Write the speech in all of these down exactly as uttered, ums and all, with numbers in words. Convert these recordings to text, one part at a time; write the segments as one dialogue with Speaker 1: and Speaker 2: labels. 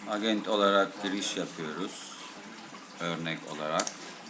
Speaker 1: Agent olarak giriş yapıyoruz. Örnek olarak.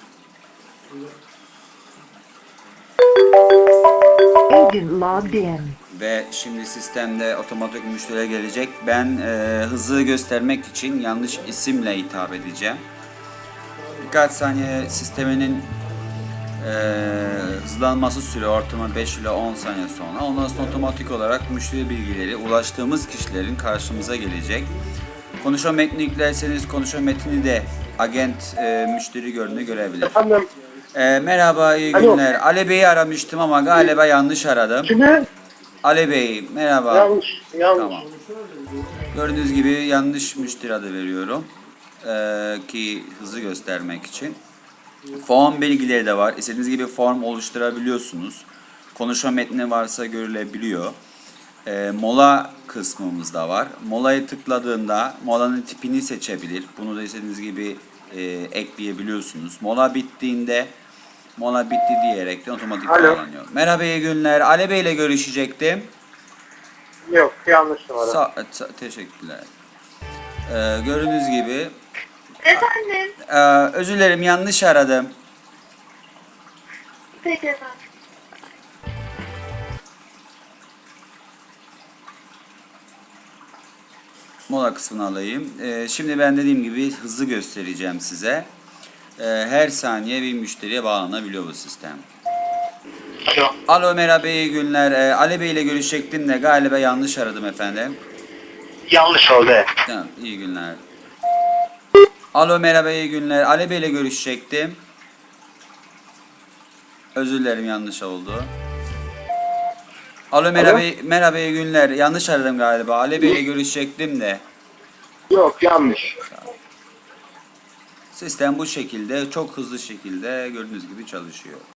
Speaker 2: Agent logged in.
Speaker 1: Ve şimdi sistemde otomatik müşteriye gelecek. Ben e, hızı göstermek için yanlış isimle hitap edeceğim. Birkaç saniye sisteminin e, hızlanması süre ortalama beş ile on saniye sonra. Ondan sonra otomatik olarak müşteri bilgileri ulaştığımız kişilerin karşımıza gelecek. Konuşma metni yüklerseniz konuşma metni de agent e, müşteri görünü görebilir.
Speaker 3: Efendim,
Speaker 1: E, merhaba, iyi
Speaker 3: Alo.
Speaker 1: günler. Ali Bey'i aramıştım ama galiba yanlış aradım.
Speaker 3: kimi?
Speaker 1: Ali Bey, merhaba.
Speaker 3: Yanlış, yanlış.
Speaker 1: Tamam. Gördüğünüz gibi yanlış müşteri adı veriyorum. Ee, ki hızı göstermek için. Form bilgileri de var. İstediğiniz gibi form oluşturabiliyorsunuz. Konuşma metni varsa görülebiliyor. Ee, mola kısmımız da var. Mola'yı tıkladığında molanın tipini seçebilir. Bunu da istediğiniz gibi e, ekleyebiliyorsunuz. Mola bittiğinde mola bitti diyerek de otomatik
Speaker 3: Alo.
Speaker 1: bağlanıyor. Merhaba, iyi günler. Ali Bey ile görüşecektim.
Speaker 3: Yok, yanlış numara.
Speaker 1: Sa sa- teşekkürler. Ee, gördüğünüz gibi
Speaker 4: Efendim.
Speaker 1: e, özür dilerim, yanlış aradım.
Speaker 4: Peki efendim.
Speaker 1: Mola kısmını alayım. Ee, şimdi ben dediğim gibi hızı göstereceğim size. Ee, her saniye bir müşteriye bağlanabiliyor bu sistem.
Speaker 3: Yok.
Speaker 1: Alo, merhaba, iyi günler. Ee, Ali Bey ile görüşecektim de galiba yanlış aradım efendim.
Speaker 3: Yanlış oldu.
Speaker 1: Tamam, iyi günler. Alo, merhaba, iyi günler. Ali Bey ile görüşecektim. Özür dilerim, yanlış oldu. Alo, merhaba, merhaba, iyi günler. Yanlış aradım galiba. Ali Bey ile görüşecektim de.
Speaker 3: Yok, yanlış.
Speaker 1: Sistem bu şekilde, çok hızlı şekilde gördüğünüz gibi çalışıyor.